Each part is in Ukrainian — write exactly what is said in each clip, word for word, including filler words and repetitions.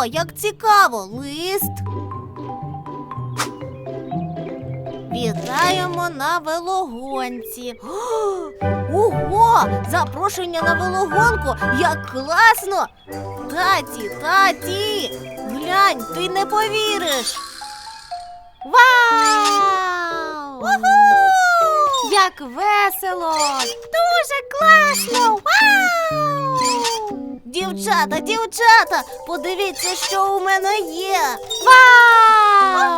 О, як цікаво, лист. Вітаємо на велогонці. Ого, запрошення на велогонку, як класно! Таті, таті, глянь, ти не повіриш. Вау! Уху! Як весело! Дуже класно! Вау! Дівчата, дівчата, подивіться, що у мене є! Вау!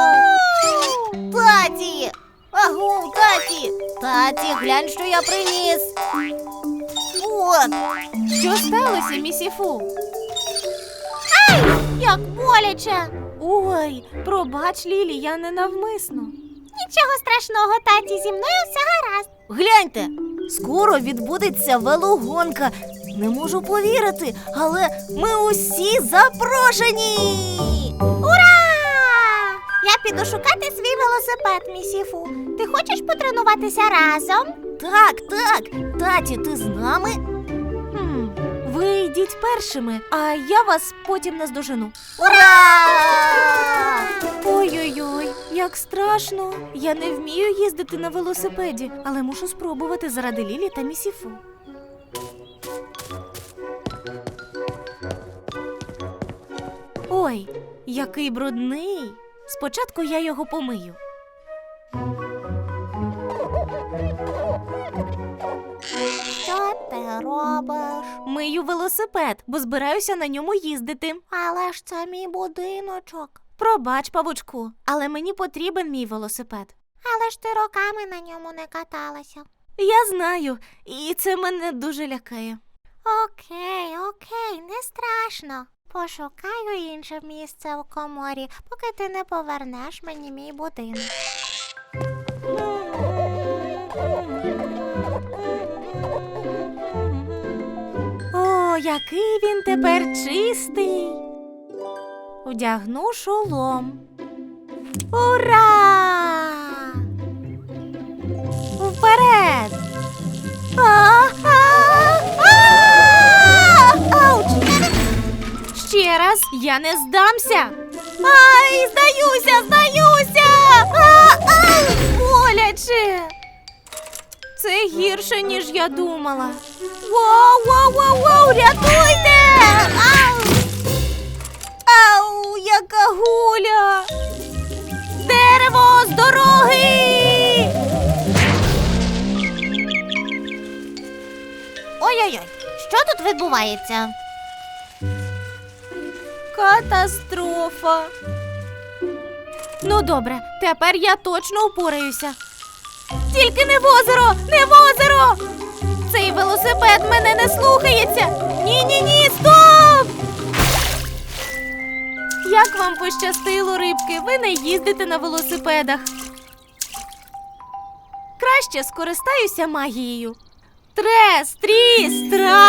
Таті! Агу, таті! Таті, глянь, що я приніс! От! Що сталося, місіфу? Ай! Як боляче! Ой, пробач, Лілі, я не навмисно. Нічого страшного, таті, зі мною все гаразд. Гляньте, скоро відбудеться велогонка. Не можу повірити, але ми усі запрошені! Ура! Я піду шукати свій велосипед, місіфу. Ти хочеш потренуватися разом? Так, так. Таті, ти з нами? Хм, ви йдіть першими, а я вас потім наздожену. Ура! Ой-ой-ой, як страшно. Я не вмію їздити на велосипеді, але мушу спробувати заради Лілі та місіфу. Ой, який брудний. Спочатку я його помию. Що ти робиш? Мию велосипед, бо збираюся на ньому їздити. Але ж це мій будиночок. Пробач, павучку, але мені потрібен мій велосипед. Але ж ти роками на ньому не каталася. Я знаю, і це мене дуже лякає. Окей, окей, не страшно. Пошукаю інше місце у коморі, поки ти не повернеш мені мій будинок. О, який він тепер чистий. Одягну шолом. Ура! Вперед! Ауч! Ще раз, я не здамся. Ай, здаюся, здаюся! А-а! Боляче! Це гірше, ніж я думала. Воу, воу, воу, воу, рятуйте! Ау! Ау, яка гуля! Дерево з дороги! Ой-ой-ой, що тут відбувається? Катастрофа. Ну добре, тепер я точно упораюся. Тільки не в озеро, не в озеро! Цей велосипед мене не слухається. Ні-ні-ні, стоп! Як вам пощастило, рибки, ви не їздите на велосипедах. Краще скористаюся магією. Трес, тріс,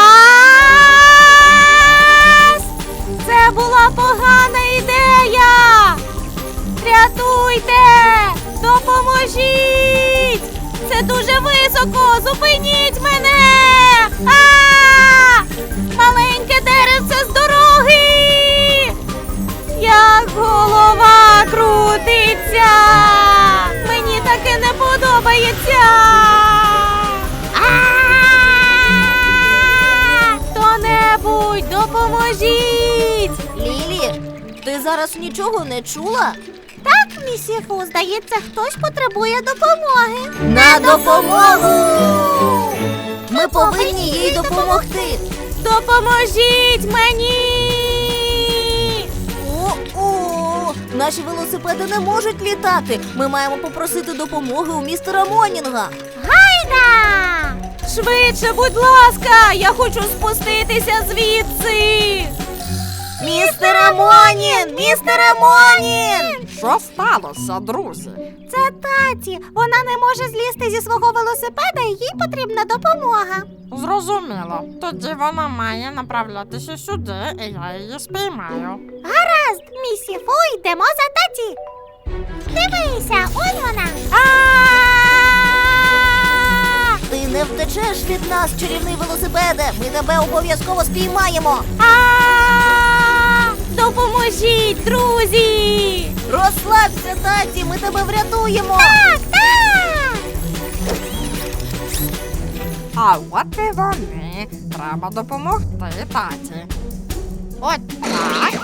трас! Це була погана ідея! Рятуйте! Допоможіть! Це дуже високо! Зупиніть мене! А! Маленьке деревце з дороги! Як голова крутиться! Мені таке не подобається! Хто-небудь, допоможіть! Лілі, ти зараз нічого не чула? Так, місіфу, здається, хтось потребує допомоги. На допомогу! Ми повинні їй допомогти. Допоможіть мені! О-о! Наші велосипеди не можуть літати. Ми маємо попросити допомоги у містера Монінга. Гайда! Швидше, будь ласка! Я хочу спуститися звідси! Містере Монін! Містере Монін! Що сталося, друзі? Це таті. Вона не може злізти зі свого велосипеда і їй потрібна допомога. Зрозуміло. Тоді вона має направлятися сюди, і я її спіймаю. Гаразд, місіфу, йдемо за таті. Дивися, ось вона. А-а-а! Ти не втечеш від нас, чарівний велосипеде. Ми тебе обов'язково спіймаємо. А-а-а! Допоможіть, друзі! Розслабся, таті, ми тебе врятуємо! Так, так! А от і вони. Треба допомогти таті. От так.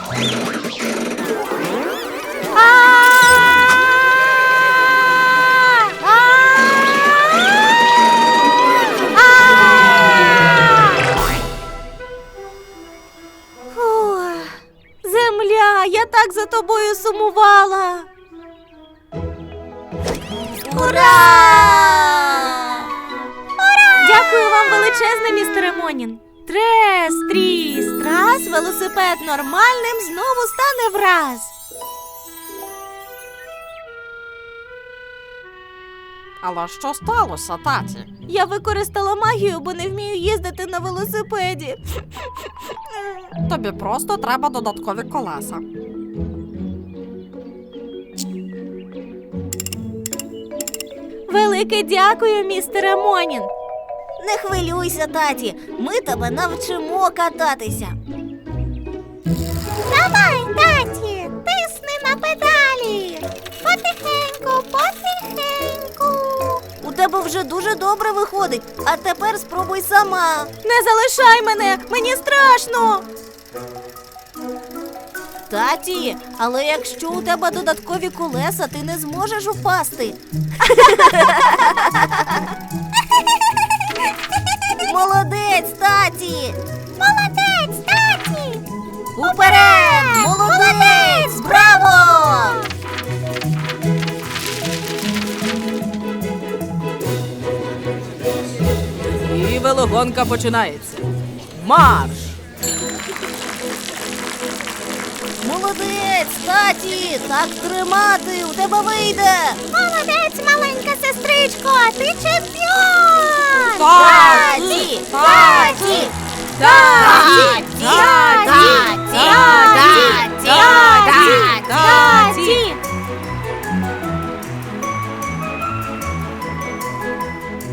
Фух, земля, я так за тобою сумувала. Ура! Дякую вам величезне, містере Монін. Трес, тріс, трас, велосипед нормальним знову стане враз. Але що сталося, таті? Я використала магію, бо не вмію їздити на велосипеді. Тобі просто треба додаткові колеса. Велике дякую, містере Монін. Не хвилюйся, таті, ми тебе навчимо кататися. Давай, таті, тисни на педалі. Потихеньку, потихеньку. У тебе вже дуже добре виходить, а тепер спробуй сама. Не залишай мене, мені страшно. Таті, але якщо у тебе додаткові колеса, ти не зможеш упасти. Молодець, таті! Молодець, таті! Уперед! Молодець! Браво! І велогонка починається. Марш! Молодець, таті! Так тримати, у тебе вийде! Молодець, маленька сестричко, ти чемпіон! Таті! Таті! Таті! Таті!